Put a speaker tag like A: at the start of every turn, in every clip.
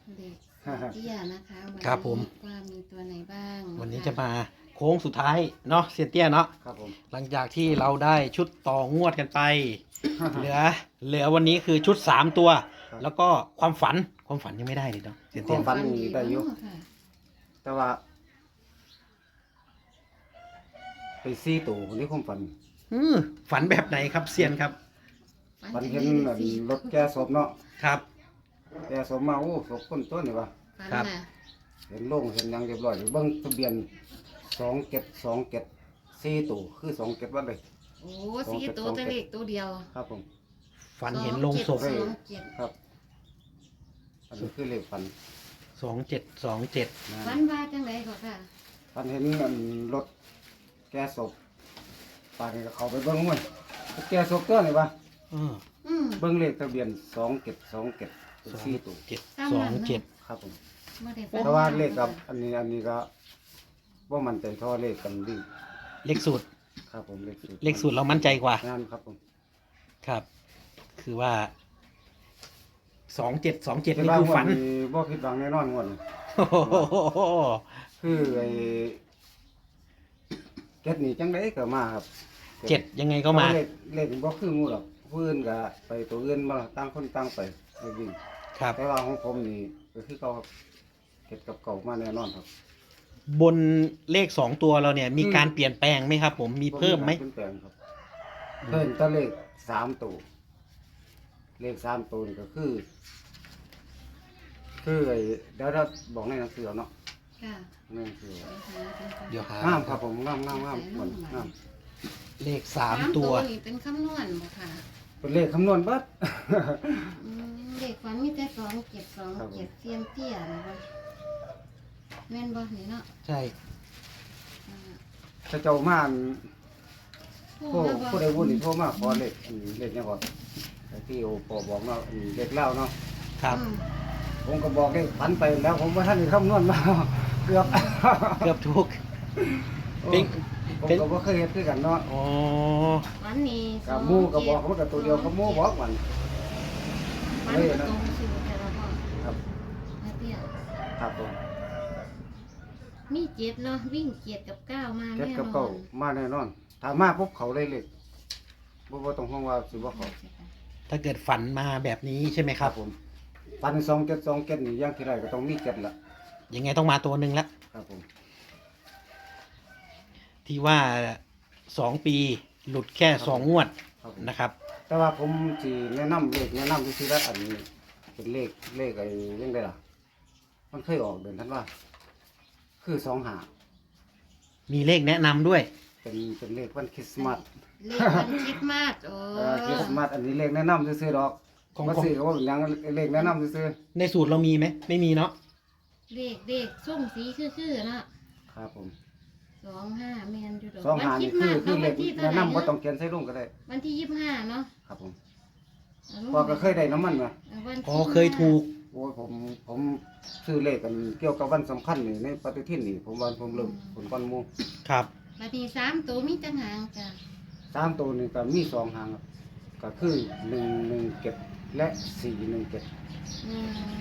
A: เด็กเตี้ยนะคะวันนี้
B: ครับผม
A: ว่ามีตัวไหนบ้าง
B: วันนี้จะมาโค้งสุดท้ายเนาะเซียนเตี้ยเนาะ
C: ครับผม
B: หลังจากที่เราได้ชุดต่องวดกันไป เหลือวันนี้คือชุด3ตัว แล้วก็ความฝันยังไม่ได้เลยเนาะเซียน
C: ค
B: เตี้
C: วาย มฝันนี่ได้อยู่
A: ค่ะ
C: แต่ว่า ไปซี่ตู่นี่ความฝัน
B: ฝันแบบไหนครับเซียนครับ
C: ฝันเห็นอันรถแก่ศพเนาะ
B: ครับ
C: แก่ศพมาโอ้ศพคนต้นนี่วะ
A: ฝัน
B: ครับ
A: น่ะ
C: เห็นโล่งเห็นหยังเรียบร้อยเบิ่งทะเบียน2727ซี่ตู่คือ27วันเลย
A: โอ้สีตัวแต่เล็กตัวเดียว
C: ครับผม
B: ฝันเห็นโลงศพ
A: 27
C: ครับ อันนี้คือเลขฝัน
B: 2727
C: นะ
A: ฝันว่าจังไรก็ค่ะ
C: ฝันเห็นอันรถแก่ศพปานนี้ก็เข้าไปเบิ่งมันแก่ศพตัวนี่วะ
B: อืม
C: เบิ่งเลขทะเบียน2727เป็นซี่ตู่
B: 2727
C: ครับผม
A: บ่ได้ฝัน
C: แต่ว่าเลขกับอันนี้ก็ว่ามันใจท่อเลขกันดี
B: เลขสูตร
C: ครับผมเลขสูตร
B: เลขสูตรเรามั่นใจกว่า
C: งานครับผม
B: ครับ คือว่า2727นี่
C: ว่า
B: คือฝัน
C: บ่ผิดหวังแน่นอนงวดนี้
B: โอ้โห
C: คือไอ้เก็ดนี่จังได๋ก็มาครับ
B: 7ยังไงก็มา
C: เลขบ่คืองูหรอกผู้อื่นก็ไปตัวอื่นมาต่างคนต่างไปวิ่ง
B: ครับ
C: แต่ว่าของผมนี่ก็คือเก่าครับเก็ดกับเก่ามาแน่นอนครับ
B: บนเลข2ตัวเราเนี่ย มีการเปลี่ยนแปลงไหมครับ ผมมีเพิ่มไหม
C: เปลี่ยนแปลงครับเพิ่มแต่เลข3ตัวเลข3ตัวนี่ก็คือไอ้เดี๋ยวเราบอกในหนังสือเอาเนาะ
A: ค่ะ
C: ในหนังสือ
B: เดี๋ยวหาง
C: ามครับผมงามเหมือนงาม
B: เลข3ตัว
A: นี่เป็นคำนวณบ่ค่ะ
C: เป็นเลขคำนวณเบิด
A: เด็กฝันมีแต่2727เซียนเตี้ยนะคะแม่นบ่นี่เนาะ
B: ใช่
C: ถ้าเจ้ามาอัน
A: ผู้
C: ผู้ใดวุ่นนี่โทรมาขอเลขอันนี้เลขเนี่ยก่อนแต่ที่โอปอบอกเนาะอันนี้เลขเล่าเนาะ
B: ครับ
C: ผมก็บอกเลขพันไปแล้วผมว่าท่านได้คำนวณมา เกือบ
B: เกือบทุก เป็น
C: ผมก็บ่เคยเฮ็ดคือกันเนาะ
B: อ๋อ
A: วันนี้
C: กับหมู่ก็บอกมันก็ตัวเดียวกับหมู่บอกมัน
A: วันก็ตรงสูตรแต่ละพ่อ
C: ครับ
A: แม่เตี้ย
C: ครับผม
A: มี7เนาะวิ่ง7กับ9มา
C: เก็บ
A: แน่น
C: กับ
A: อ
C: เก่าน มาแน่นอนถ้ามาปุ๊บเขาเลยเลขบ่ต้องห่วงว่าสิบ่เขา
B: ถ้าเกิดฝันมาแบบนี้ใช่ไหมครับ
C: ผมปัน2727นี่อย่างที่ไรก็ต้องมี7ละ
B: ยังไงต้องมาตัวหนึ่งละ
C: ครับผม
B: ที่ว่า2 ปีหลุดแค่2 งวด
C: ครับผม
B: นะครับ
C: แต่ว่าผมสิแนะนำเลขแนะนำซื่อๆแล้วอันนี้เป็นเลขไอ้ยังไงล่ะ มันเคยออกเดือนธันวาคือ25
B: มีเลขแนะนำด้วย
C: เป็นเลขวันคริสต์มาส
A: เลขวันคริสต์มาสโอ้
C: คริสต์มาสอันนี้เลขแนะนำซื่อๆดอก
B: ของ
C: มาซื้อก็ว่าเป็นหยังเลขแนะนำซื่อ
B: ในสูตรเรามีไหมไม่มีเนาะ
A: เลขส้มสีคือๆเนาะ
C: ๆครับผม
A: 25แม่นอยู่ดอก
C: 25นี่คือเลขแนะนำบ่ต้องเขียนใส่ลงก็ได้
A: วันที่25เนาะ
C: ครับผมพอก็เคยได้น้ำมันมา
A: วัน
B: อ๋อเคยถูก
C: โอ้ยผมซื้อเลขกันเกี่ยวกับวันสำคัญนี่ในปฏิทินนี่ผมว่าผมเริ่มผลก้อนหมู
B: ครับ
A: วันที่3ตัวมีจังหางจ้ะ
C: 3ตัวนี่ก็มี2หางครับก็คือ117และ417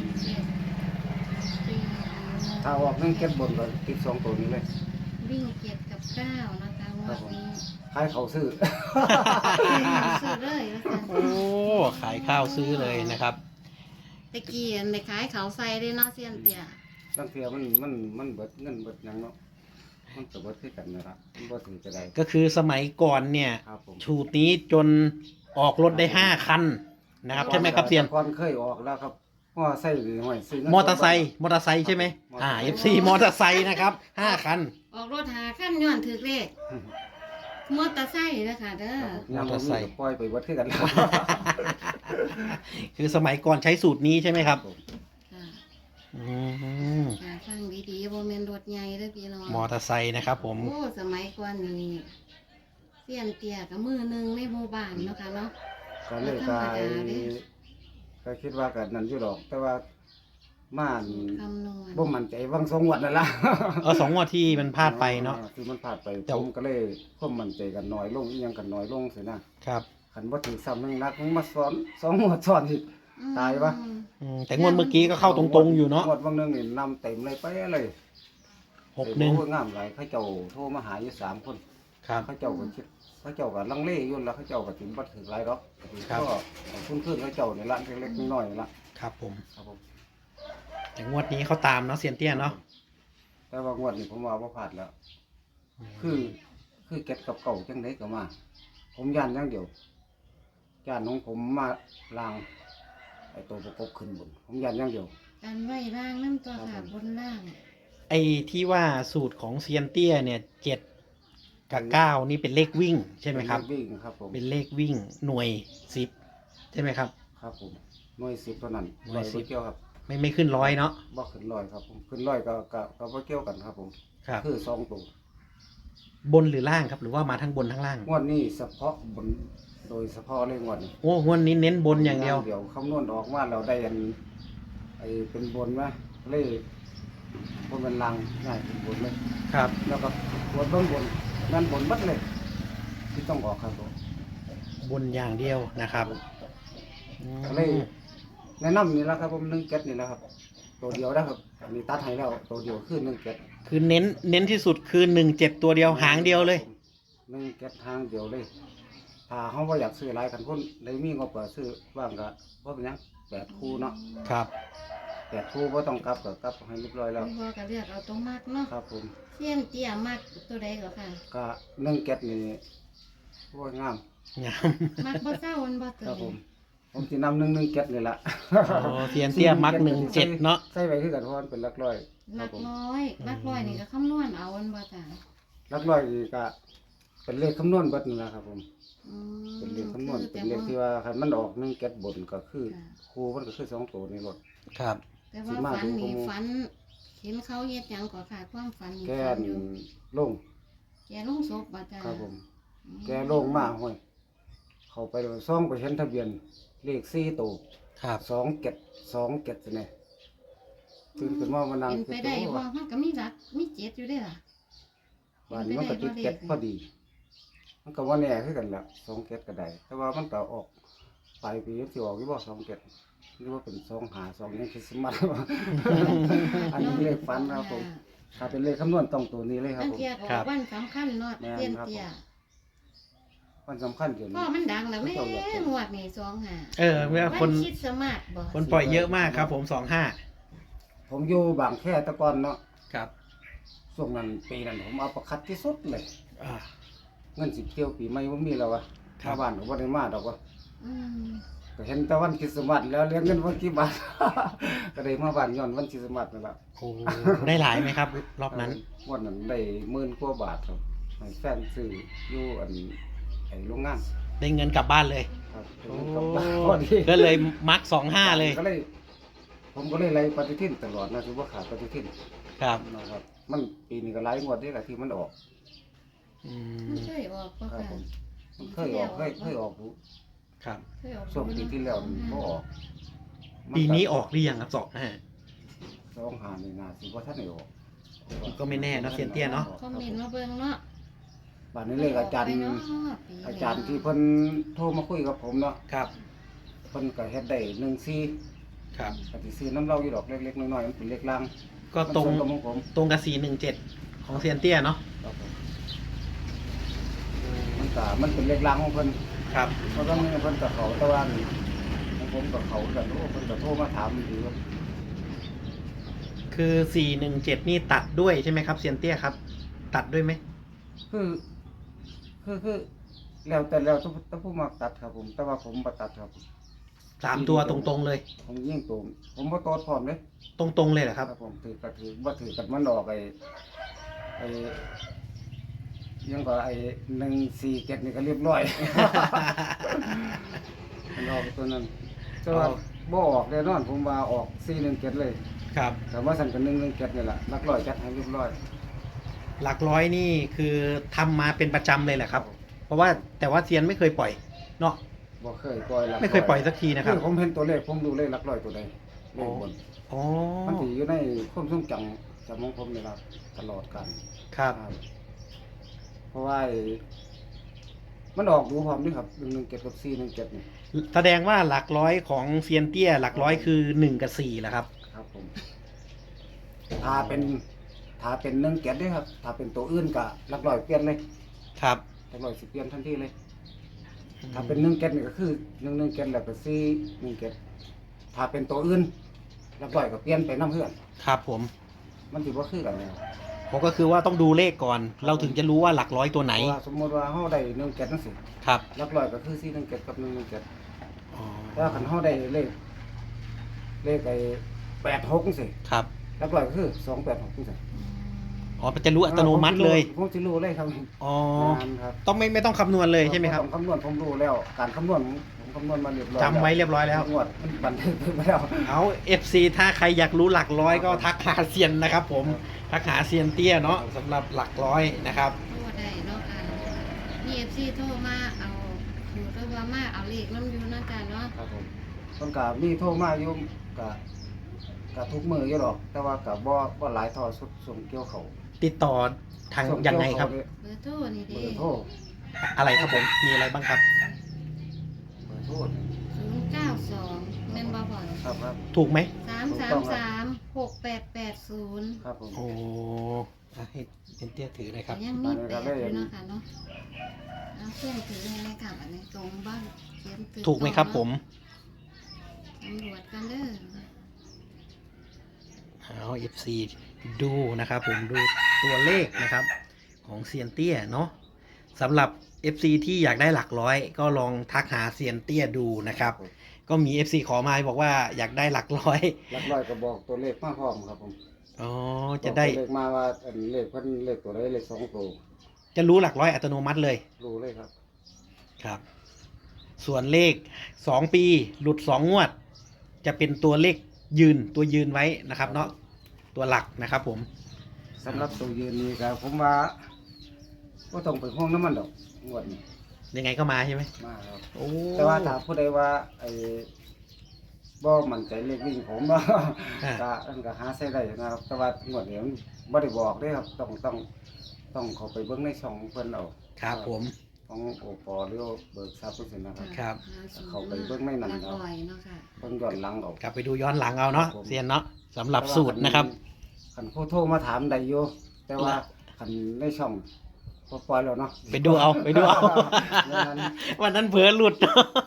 C: ถ้าออก17บนก็ติด2ตัวนี้เลย
A: วิ่ง7กับ9นะคะงวดนี้
C: ขายเขาซื้อ
A: ซื้อเลยแล้วกัน
B: โอ้ขายข้าวซื้อเลยนะครับ
A: ตะกี้อันไปขายเขาใส่เลยเนาะเซียนเตี้ย
C: บางเทีมันเบิดเงินเบิดหยังเนาะมันก็เบิดคือกันนะครับมันบ่ถึงจะได้
B: ก็คือสมัยก่อนเนี่ย
C: ครับผม
B: ชูตนี้จนออกรถได้5 คันนะครับใช่ไหมครับเซียน
C: ก่อนเคยออกแล้วครับมอไซค์หรือห้อยซื้อเงิน
B: มอเตอร์ไซค์ใช่ไหมFC มอเตอร์ไซค์นะครับ5 คัน
A: ออกรถหาขั้นย้อนถือเลขมอเตอร์ไซค์นะคะเด้อ
C: ยังบ่มีก็ปล่อยไปเบิดคือกันแล้ว
B: คือสมัยก่อนใช้สูตรนี้ใช่ไหมครับ
A: ค่ะ
B: อืม
A: ฟังดีๆบ่แม่นรถใหญ่เด้อพี่น้อง
B: มอเตอร์ไซค์นะครับผม
A: โอ้สมัยก่อนนี่เสียนเตี้ยกับมือหนึงในหมู่บ้านเนาะค่ะเนาะ
C: ก็เลยกายก็คิดว่ากันนั้นอยู่ดอก แต่ว่าม่าน
A: คำนวณ
C: บ่มั่นใจวังสองงวดนั่นล่ะ
B: 2 งวดที่มันพลาดไปเนาะ
C: คือมันพลาดไป
B: แต่
C: ผมก็เลยความมั่นใจกันน้อยลงอีหยังกันน้อยลงสินะครับ คันบ่ถือซ้ำนึงนักมึงมาสอน2งวดซ้อนอีกตายปะ
B: แต่งวดเมื่อกี้ก็เข้าตรงๆอยู่เนาะ
C: งวดบางนึงนี่นำเต็มเลยไปเลย
B: 61
C: โอ้ยงามหลายเขาเจ้าโทรมาหาอยู่3 คน
B: ครับ
C: เขาเจ้าก็คิดเขาเจ้าก็ลังเลอยู่แล้วเขาเจ้าก็ถึงบ่ถึงหลายดอก
B: ครับ
C: ก็คุ้นๆเขาเจ้านี่ละเล็กๆน้อยๆนี่ละ
B: ครับผม
C: ครับผม
B: แต่งวดนี้เขาตามเนาะเซียนเตี้ยเนาะ
C: แต่ว่างวดนี้ผมว่าบ่พลาดแล้ว คือเก็บกับเก่าจังไดก็มา ผมย่านอย่างเดียวย่านของผมมาล้างไอ้ตัวประกบขึ้นบนผมย่านอย่างเดียว
A: การไว้ร่างน้ำตัวค่ะบนล่าง
B: ไอ้ที่ว่าสูตรของเซียนเตี้ยเนี่ย7 กับ 9นี่เป็นเลขวิ่งใช่ไหมครับ
C: วิ่งครับผม
B: เป็นเลขวิ่งหน่วย10ใช่ไหมครับ
C: ครับผมหน่วย10เท่านั้น
B: หน่วย
C: บ่เกี่ยวครับ
B: ไม่ขึ้นร้อยเนาะ
C: บ่ขึ้นร้อยครับผมขึ้นร้อยก็บ่เกี่ยวกันครับผม
B: ครับ
C: คือ2ตัว
B: บนหรือล่างครับ หรือว่ามาทั้งบนทั้งล่าง
C: งวดนี้เฉพาะบนโดยเฉพาะเลยงวดนี้
B: โอ้งวดนี้เน้นบนอย่างเดียว
C: เดี๋ยวคำนวณออกมาเราได้อันไอ้เป็นบนไหมเลยบนเป็นลังง่ายเป็นบนเลย
B: ครับ
C: แล้วก็บนเบื้องบนนั่นบนบัดเลย ที่ต้องออกครับผม
B: บนอย่างเดียวนะครับอืม
C: ก็เลยแนะนำนี่แหละครับผม1 7นี่แหละครับ ตัวเดียวนะครับอันนี้ตัดให้แล้วตัวเดียวคือ1 7
B: คือเน้นที่สุดคือ17ตัวเดียวหางเดียวเลย
C: 1 7ทางเดียวเลย ถ้าเขาว่าอยากซื้อหลายกันคนเลยมีงบก็ซื้อบ้างก็ว่าเป็นหยัง8 คู่เนาะ
B: ครับ
C: 8 คู่บ่ต้องกลับก็กลับให้เรียบร้อยแล้ว
A: พ่อก็เลือกเอาตรงมากเนาะ
C: ครับผม
A: เสี้ยนเตี้ยมากตัวใดก็ค่ะ
C: ก็1 7นี่โอ้ยงาม
B: งาม
A: มากบ่เศร้ามันบ่ตื่
C: ครับผ
A: น
C: ม ผมสินำ1 1 7นี่แหละ
B: โอ้เซียนเตี้ยมัก17เนาะ
C: ใส่ไว้คือกันเพราะมันเป็นหลักร้อยค
A: ห
C: รั
A: ลั
C: บ
A: ก
C: ผม
A: ร้อยหลักร้อยนี่ก็คำนวณเอามันบ่จ้ะ
C: หลักร้อยนี่ก็เป็นเลขคำนวณเบิดนี่แหละครับผม
A: อืม
C: เป็นเลขคำนวณ
A: คือ
C: เป็นเลขที่ว่าคันมันออก1 7บนก็คือ
A: ค่ะ
C: ครูมันก็คือ2 ตัวนี่รถ
B: ครับ
A: แต่ว่า
C: สิมา
A: ฝัน
C: ดู
A: นี่
C: ข้อมูล
A: ฝันเห็นเขาเฮ็ดหยังก็ค่ะความฝันนี่
C: แก
A: ฝั
C: น
A: นอยู่
C: ลง
A: แกลงศพบ่จ้ะ
C: ครับผม แกลงมาห้อยเข้าไปซ่องไปเห็นทะเบียนเลข4ตัว
B: ครับ
C: 27นี่ตื่นขึ้นมามานั่ง
A: เป็นไปได้
C: คิ
A: บ่มันก็มีหลักมีเจ็ดอยู่เด้อล่ะ
C: บ้านนี้มันก็ติดเก็ดพอดี มันก็ว่าแน่คือกันแหละ2 7ก็ได้ แต่ว่ามันก็ออกปลายปีที่ออกอยู่บ่2 7หรือว่าเป็น2 5 2ยังคริสต์มาส อันนี้เลขฝันครับผม ถ้าเป็นเลขคำนวณต้องตัวนี้เลยครับ
A: ตั้ง
C: ผม
A: เทียก็ออกวันสำคัญเนาะ
C: แม่น
A: เตี้ยน
C: ครับ
A: เตี้ย
C: วันสำคัญเดี๋ยว
A: พ่อ
C: นี้
A: มันดังแล้วแม่งวดนี่25
B: เมื่อ
A: วั
B: คน
A: คิดสมาร์ทบ่
B: คนปล่อยเยอะมากครับผม
C: ผมอยู่บางแค่แตะกอนเนาะ
B: 25ครับ
C: ช่วงนั้นปีนั้นผมเอาประคัดที่สุดเลย
B: อ่า
C: เงินสิเที่ยวปีใหม่บ่มีแล้ววะ
B: ครับ
C: มาบ้านก็บ่ได้มาดอกวะ
A: อืม
C: ก็เห็นแต่วันคริสต์มาสแล้วเลี้ยงเงินวันกี่บาท ก็ได้มาบ้านย้อนวันคริสต์มาสนั่นล่ะ
B: โอ้ได้หลายไหมครับ รอบนั้น
C: งวดนั้นได้10,000 กว่าบาทครับให้แฟนซื้ออยู่อันไอ้โรงงาน
B: ได้เงินกลับบ้านเลย
C: ครับ
B: โอ้
C: กลับบ้านพอดี
B: ก็เลยมัก25เลย
C: ก็เลย ผมก็เลยไล่ปฏิทินตลอดนะคือว่าขาดปฏิทิน
B: ครับ
C: นะครับ มันปีนี้ก็หลายงวดนี่แหละที่มันออก
B: อื
A: มัน
B: ม
A: เคยออกบ่
C: ครับ
A: ค่ะ
C: ผมมันเคยออกเคยออกอยู่
B: ครับ
A: เคยออก
C: ช่วงปีที่แล้วมันบ่ออก
B: ปีนี้ออกหรือยังครับ
C: 25นี่น่าสิบ่ทันได้ออก
B: ก็ไม่แน่เนาะเซียนเตี้ยเนาะ
A: คอมเมนต์มาเบิ่งเนาะ
C: บัดนี้เลยอาจารย์
A: ไปเนะปี
C: อาจารย์ที่เพิ่นโทรมาคุยกับผมเนาะ
B: ครับ
C: เพิ่นก็เฮ็ดได้14
B: ครับ
C: ก็สิซื้อน้ำเหล้าอยู่ดอกเล็กๆน้อยๆมันเป็นเลขล่าง
B: ก็ตรง
C: มันกับของผม
B: ตรงกับ417ของเซียนเตี้ยเนาะ
C: ครับผมมันเป็นเลขล่างของเพิ่น
B: ครับ
C: เพราะว่าเพิ่นกับเขาแต่ว่าของผมกับเขากันโอ้เพิ่นก็โทรมาถามอยู่ว่า
B: คือ417นี่ตัดด้วยใช่ไหมครับเซียนเตี้ยครับ ตัดด้วยไหม
C: คือแล้วแต่แล้วต้องผู้มักตัดครับผม แต่ว่าผมบ่ตัดครับ
B: 3ตัวตรงๆเลย
C: ผมยิ่งตัวผมบ่ตอดพร้อมเลย
B: ตรงๆเลยเหรอครับ
C: ผมถือก็ถือบ่ถือกันมันออกไอ้ยังก็ไอ้147นี่ก็เรียบร้อย มันออกตัวนั้นแต่ว่าบ่ออกแน่นอนผมว่าออก417เลย
B: ครับ
C: แต่ว่าสั่นกัน117นี่แหละหลักร้อยจัดให้เรียบร้อย
B: หลักร้อยนี่คือทำมาเป็นประจำเลยแหละครับ เพราะว่าแต่ว่าเซียนไม่เคยปล่อยเนาะ
C: บ่เคยปล่อยหลักร้
B: ไม่เคยปล่อยสักทีนะครับ
C: ผมเห็นตัวเลขผมดูเลขหลักร้อยตัวใดเลขบน
B: อ๋อ
C: มันสิอยู่ในความทรงจำของผมนี่ล่ะตลอดกัน
B: ครับ
C: เพราะว่ามันออกดูพร้อมนี่ครับ117กับ417นี่
B: แสดงว่าหลักร้อยของเซียนเตี้ยหลักร้อยคือ1กับ4แหละครับ
C: ครับผมถ้าเป็น1เก็ดเด้ครับถ้าเป็นตัวอื่นก็หลักร้อยเปลี่ยนเลย
B: ครับ
C: หลักร้อยสิเปลี่ยนทันทีเลย ถ้าเป็น1เก็ดนี่ก็คือ1เก็ดแล้วก็4 1เก็ดถ้าเป็นตัวอื่นหลักร้อยก็เปลี่ยนไปนํเพื่อน
B: ครับผม
C: มันสิบ่คือกันแล้ว
B: ผมก็คือว่าต้องดูเลขก่อน เราถึงจะรู้ว่าหลักร้อยตัวไหน
C: เพราะว่าสมมุติว่าเฮาได้1เก็ดจังซี่
B: ครับ
C: หลักร้อยก็คือ4 1เก็ดกับ1 1เก็ด
B: อ๋อ
C: ถ้าคันเฮาได้เลขไอ้86จังซี่
B: ครับ
C: หลักร้อยก็คือ286จังซี่
B: อ๋อมันจะรู้อัตโนมัติเลย
C: ผมสิรู้เลยครับ
B: อ๋อ
C: งานครับ
B: ต้องไม่ต้องคำนวณเลยใช่ไหมครับ
C: ต้องคำนวณผมรู้แล้ว การคำนวณผมคำนวณมาเรียบร้อย
B: จำไว้เรียบร้อยแล้ว
C: งวดมันบันทึกไปแล้ว
B: เอา FC ถ้าใครอยากรู้หลักร้อยก็ทักหาเซียนนะครับผม ทักหาเซียนเตี้ยเนาะสำหรับหลักร้อยนะครับ
A: โทรได้เนาะมี FC โทรมาเอาอยู่ตัวว่ามาเอาเลขนำอยู่เนาะจ้ะเนาะ
C: ครับผมต้นกามีโทรมาอยู่กะทุกมืออยู่หรอก แต่ว่ากะบ่หลายทอสุดส่งเกี่ยวเขา
B: ติดต่อทางยังไงครับ
A: เบอร์โทรนี่
C: เบ
A: เด้
C: อร์โทร
B: อะไรครับผม มีอะไรบ้างครับ
C: เบอร์โทร
A: 092แม่นบ่พ่อ
C: ครับ
B: ถูกไหม
A: 3336880
C: ครับผม
B: โอ้ให้เซียนเตี้ยถือหน่อยค
A: แต่
B: รับ
A: ยังมีแปดอยู่เนาะค่ะเนาะเอาเพื่อนถือให้ในกลับอันนี้ตรงบ้างเขียนถือ
B: ถูกไหมครับผม
A: ตำรวจกันเด้อ
B: เอา FC ดูนะครับผมดูตัวเลขนะครับของเซียนเตี้ยเนาะสำหรับ FC ที่อยากได้หลักร้อยก็ลองทักหาเซียนเตี้ยดูนะครับ ก็มี FC ขอมาบอกว่าอยากได้หลักร้อย
C: หลักร้อยก็บอกตัวเลขมาพร้อมครับผม
B: อ๋อจะได้
C: บอกตัวเลขมาว่าอันเลขเพิ่นเลขตัวใดเลข2ตัว
B: จะรู้หลักร้อยอัตโนมัติเลย
C: รู้เลยครับ
B: ครับ ส่วนเลข2ปีหลุด2งวด จะเป็นตัวเลขตัวยืนไว้นะครับเนาะตัวหลักนะครับผม
C: สำหรับตัวยืนนี่ก็ผมว่าบ่ต้องไปห่วงน้ำมันดอกงวดนี้
B: ยังไงก็มาใช่ไหม
C: มาครับ
B: โอ้
C: แต่ว่าถ้าผู้ใดว่าไอ้บ่มั่นใจเลขวิ่งผม ก็ก็หาใช้ได้นะครับ แต่ว่างวดนี้มันบ่ได้บอกเด้ครับต้องเข้าไปเบิ่งในช่องเพิ่นเอา
B: ครับผม
C: ของโอปอหรือเบิกทรัพย์เพิ่นสินะครับ
B: ครับ
C: เขาไปเบิ่งในนั้น
A: หลัก
C: เนาะ
A: ร้อยเนาะค่ะ
C: เพิ่นย้อนหลังเอา
B: กลับไปดูย้อนหลังเอาเนาะเซียนเนาะสำหรับสูตรนะครับ
C: คันผู้โทรมาถามได้อยู่แต่ว่าคันในช่องบ่ปล่อยแล้วเนาะ
B: ไปดูเอาไปดูเอา
C: นั้น
B: วันนั้นเผลอหลุด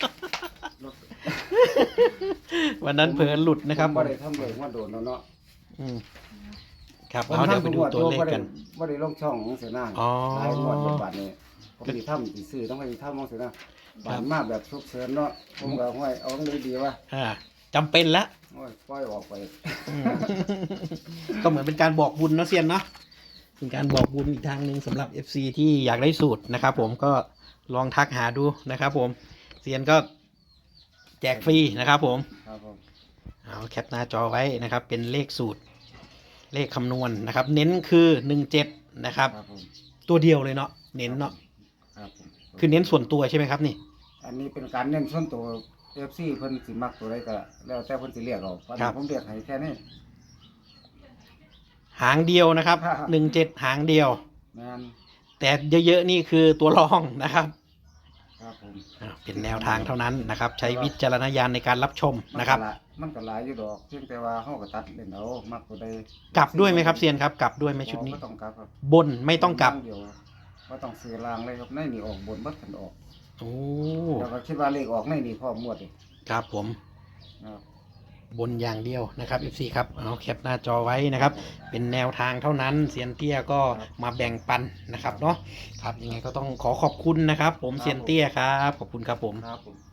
B: วันนั้นเผลอหลุดนะครับ
C: ผมบ่ได้ทำเลยว่าโดนแล้วเนาะ
B: อืมครับเอาเดี๋ยวไปดูตัวเลขกัน
C: บ่ได้ลงช่องของเสนา
B: อ๋อ
C: หลายงวดในบัดนี้ผมสิทำสิซื้อต้องไปทำของเสนาบานมาแบบฉุกเฉินเนาะผมก็ห้วยเอาเลยดีว่า
B: จำเป็นแล้ว
C: โอ้ยปล่อยออกไป
B: อืม ก็เหมือนเป็นการบอกบุญเนาะเซียนเนาะเป็นการบอกบุญอีกทางหนึ่งสำหรับ FC ที่อยากได้สูตรนะครับผมก็ลองทักหาดูนะครับผมเซียนก็แจกฟรีนะครับผม
C: ครับผม
B: เอาแคปหน้าจอไว้นะครับ เป็นเลขสูตร เลขคำนวณนะครับ เน้นคือ17นะครับ
C: ครับผม
B: ตัวเดียวเลยเนาะเน้นเนาะ
C: ครับผม
B: คือเน้นส่วนตัวใช่ไหมครับนี่
C: อันนี้เป็นการเน้นส่วนตัว FC เพิ่นสิมักตัวใดก็แล้วแต่เพิ่นสิเรียกเอาเพราะฉะนั้นผมเรียกให้แค่นี้
B: หางเดียวนะครับ
C: ครับ
B: 17หางเดียว
C: แม่น
B: แต่เยอะๆนี่คือตัวรองนะครับ
C: ครับผม
B: เป็นแนวทางเท่านั้นนะครับ ใช้วิจารณญาณในการรับชมนะครับ
C: มันก็หลายอยู่ดอกเพียงแต่ว่าเฮาก็ตัดเล่นเอามักตัวใด
B: กลับด้วยไหมครับเซียนครับ กลับด้วยไหมชุดนี้
C: บ่ต้องกลับครับ
B: บนไม่ต้องกลับ
C: เดียวบ่ต้องซื้อรางเลยครับในนี่ออกบนบ่ทันออก
B: โอ้
C: แล้วก็คิดว่าเลขออกในนี่พร้อมหมดเลย
B: ครับผม
C: นะครับ
B: บนอย่างเดียวนะครับ FC ครับเอาแคปหน้าจอไว้นะครับ เป็นแนวทางเท่านั้นเซียนเตี้ยก็มาแบ่งปันนะครับเนาะครับยังไงก็ต้องขอขอบคุณนะครับ ผมเซียนเตี้ยครับขอบคุณครับผม
C: ครับผม